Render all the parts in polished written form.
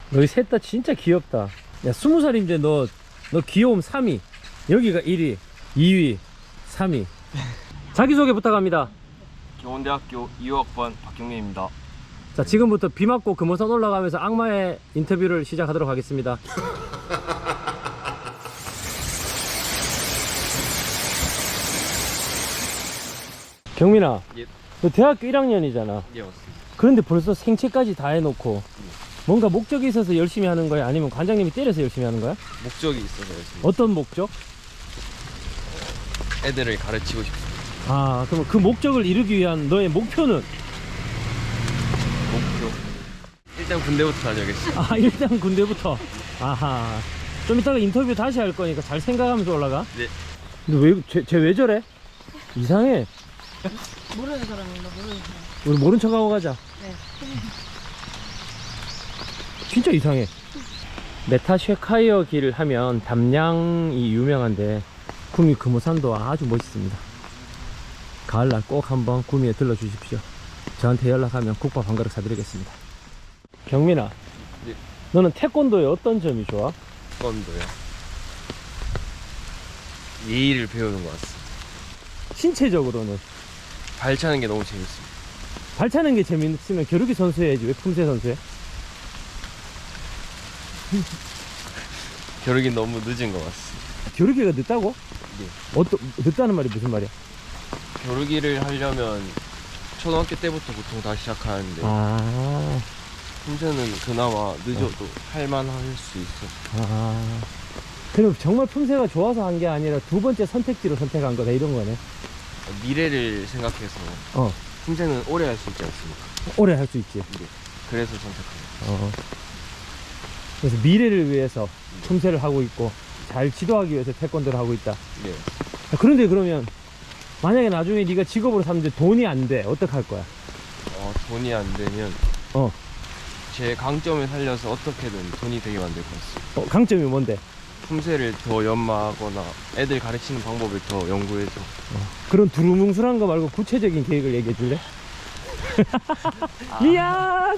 너희 셋 다 진짜 귀엽다. 야, 20살인데 너 귀여움 3위. 여기가 1위, 2위, 3위. 자기소개 부탁합니다. 경원대학교 2호학번 박경민입니다. 자, 지금부터 비 맞고 금호산 올라가면서 악마의 인터뷰를 시작하도록 하겠습니다. 경민아, 예. 너 대학교 1학년이잖아. 예, 맞습니다. 그런데 벌써 생체까지 다 해놓고 뭔가 목적이 있어서 열심히 하는 거야? 아니면 관장님이 때려서 열심히 하는 거야? 목적이 있어서 열심히 어떤 목적? 애들을 가르치고 싶습니다. 아, 그럼 그 목적을 이루기 위한 너의 목표는? 목표. 일단 군대부터 다녀야겠습니다. 아, 일단 군대부터. 아하. 좀 이따가 인터뷰 다시 할 거니까 잘 생각하면서 올라가. 네. 근데 쟤 왜 저래? 이상해. 모르는 사람입니다. 모르는 사람. 우리 모른 척하고 가자. 네. 진짜 이상해. 메타쉐카이어 길 하면 담양이 유명한데 구미 금호산도 아주 멋있습니다. 가을날 꼭 한번 구미에 들러주십시오. 저한테 연락하면 국밥 한 그릇 사드리겠습니다. 경민아, 네. 너는 태권도의 어떤 점이 좋아? 태권도요. 예의를 배우는 것 같습니다. 신체적으로는? 발차는 게 너무 재밌습니다. 발차는 게 재밌으면 겨루기 선수 해야지. 왜 품새 선수 해? 겨루기 너무 늦은 것 같습니다. 겨루기가 늦다고? 네. 늦다는 말이 무슨 말이야? 겨루기를 하려면 초등학교 때부터 보통 다 시작하는데 아, 품새는 그나마 늦어도 할만할 수 있어. 그럼 정말 품새가 좋아서 한 게 아니라 두 번째 선택지로 선택한 거다, 이런 거네. 미래를 생각해서 어, 품새는 오래 할 수 있지 않습니까? 오래 할 수 있지. 네. 그래서 선택합니다. 어. 그래서 미래를 위해서 품새를 하고 있고 잘 지도하기 위해서 태권도를 하고 있다. 네. 그런데 그러면 만약에 나중에 네가 직업으로 삼는데 돈이 안 돼, 어떡할 거야? 돈이 안 되면 어, 제 강점을 살려서 어떻게든 돈이 되게 만들 것 같습니다. 강점이 뭔데? 품새를 더 연마하거나 애들 가르치는 방법을 더 연구해서 그런 두루뭉술한 거 말고 구체적인 계획을 얘기해 줄래? 미안!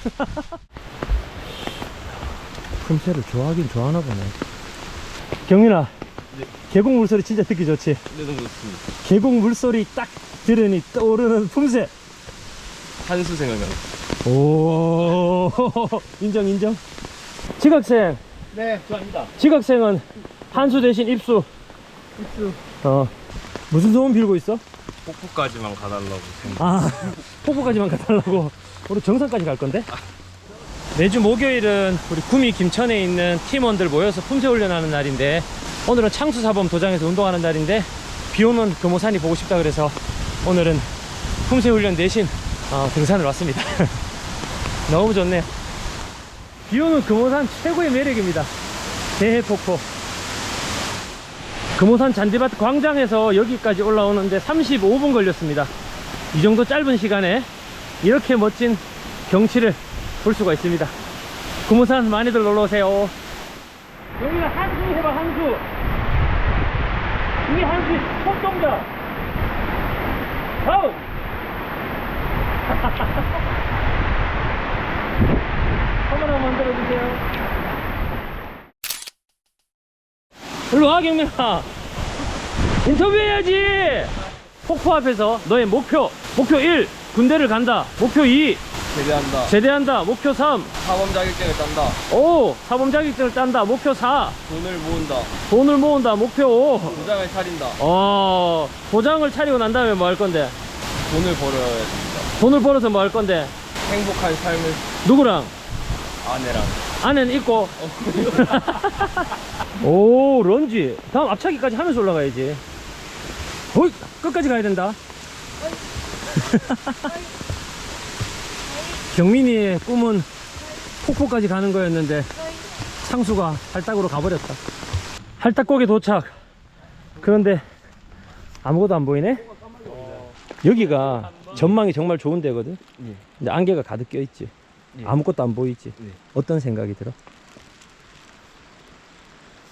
품새를 좋아하긴 좋아하나 보네. 경민아, 네. 계곡 물소리 진짜 듣기 좋지? 네, 너무 좋습니다. 계곡 물소리 딱 들으니 떠오르는 품새. 한수 생각나요. 오, 인정, 인정. 지각생. 네, 좋아합니다. 지각생은 한수 대신 입수. 입수. 무슨 소원 빌고 있어? 폭포까지만 가달라고 생각. 아, 폭포까지만 가달라고. 우리 정상까지 갈 건데? 매주 목요일은 우리 구미 김천에 있는 팀원들 모여서 품새 훈련하는 날인데, 오늘은 창수사범 도장에서 운동하는 날인데 비 오는 금호산이 보고 싶다 그래서 오늘은 품새 훈련 대신 등산을 왔습니다. 너무 좋네요. 비 오는 금호산 최고의 매력입니다. 대해폭포. 금호산 잔디밭 광장에서 여기까지 올라오는데 35분 걸렸습니다. 이 정도 짧은 시간에 이렇게 멋진 경치를 볼 수가 있습니다. 금호산 많이들 놀러오세요. 여기가 한수 해봐, 한수. 이게 한수의 첫 동작. 다음. 카메라 만들어주세요. 일로 와, 경민아. 인터뷰해야지. 폭포 앞에서 너의 목표 1, 군대를 간다. 목표 2, 제대한다. 제대한다. 목표 3, 사범 자격증을 딴다. 5, 사범 자격증을 딴다. 목표 4, 돈을 모은다. 돈을 모은다. 목표 5. 도장을 차린다. 도장을 차리고 난 다음에 뭐 할 건데? 돈을 벌어야 됩니다. 돈을 벌어서 뭐 할 건데? 행복한 삶을 누구랑? 아내랑. 아내는 있고. 오, 런지. 다음 앞차기까지 하면서 올라가야지. 어이, 끝까지 가야 된다. 경민이의 꿈은 폭포까지 가는 거였는데 창수가 할딱으로 가버렸다. 할딱곡에 도착. 그런데 아무것도 안 보이네? 여기가 전망이 정말 좋은 데거든. 근데 안개가 가득 껴있지. 아무것도 안 보이지. 어떤 생각이 들어?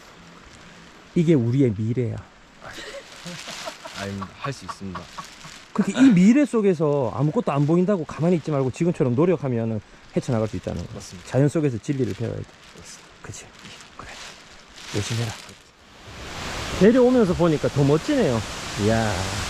이게 우리의 미래야. 아닙니다. 할 수 있습니다. 그렇게 이 미래 속에서 아무것도 안 보인다고 가만히 있지 말고 지금처럼 노력하면 헤쳐나갈 수 있다는 거. 맞습니다. 자연 속에서 진리를 배워야 돼. 맞습니다. 그치? 그래. 열심히 해라. 내려오면서 보니까 더 멋지네요. 이야.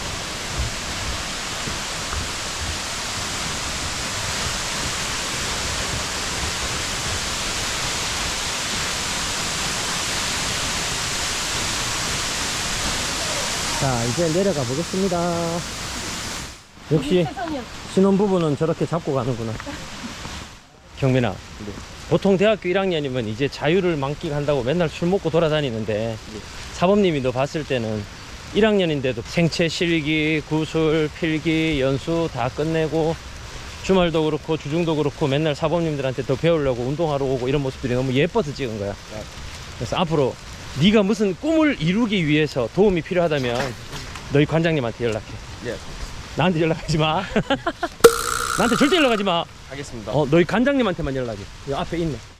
자, 이제 내려가 보겠습니다. 역시 신혼부부는 저렇게 잡고 가는구나. 경민아, 보통 대학교 1학년이면 이제 자유를 만끽한다고 맨날 술 먹고 돌아다니는데 사범님이 너 봤을 때는 1학년인데도 생체 실기, 구술, 필기, 연수 다 끝내고 주말도 그렇고 주중도 그렇고 맨날 사범님들한테 더 배우려고 운동하러 오고 이런 모습들이 너무 예뻐서 찍은 거야. 그래서 앞으로 네가 무슨 꿈을 이루기 위해서 도움이 필요하다면 너희 관장님한테 연락해. 예. 나한테 연락하지 마. 나한테 절대 연락하지 마. 하겠습니다. 너희 관장님한테만 연락해. 여기 앞에 있네.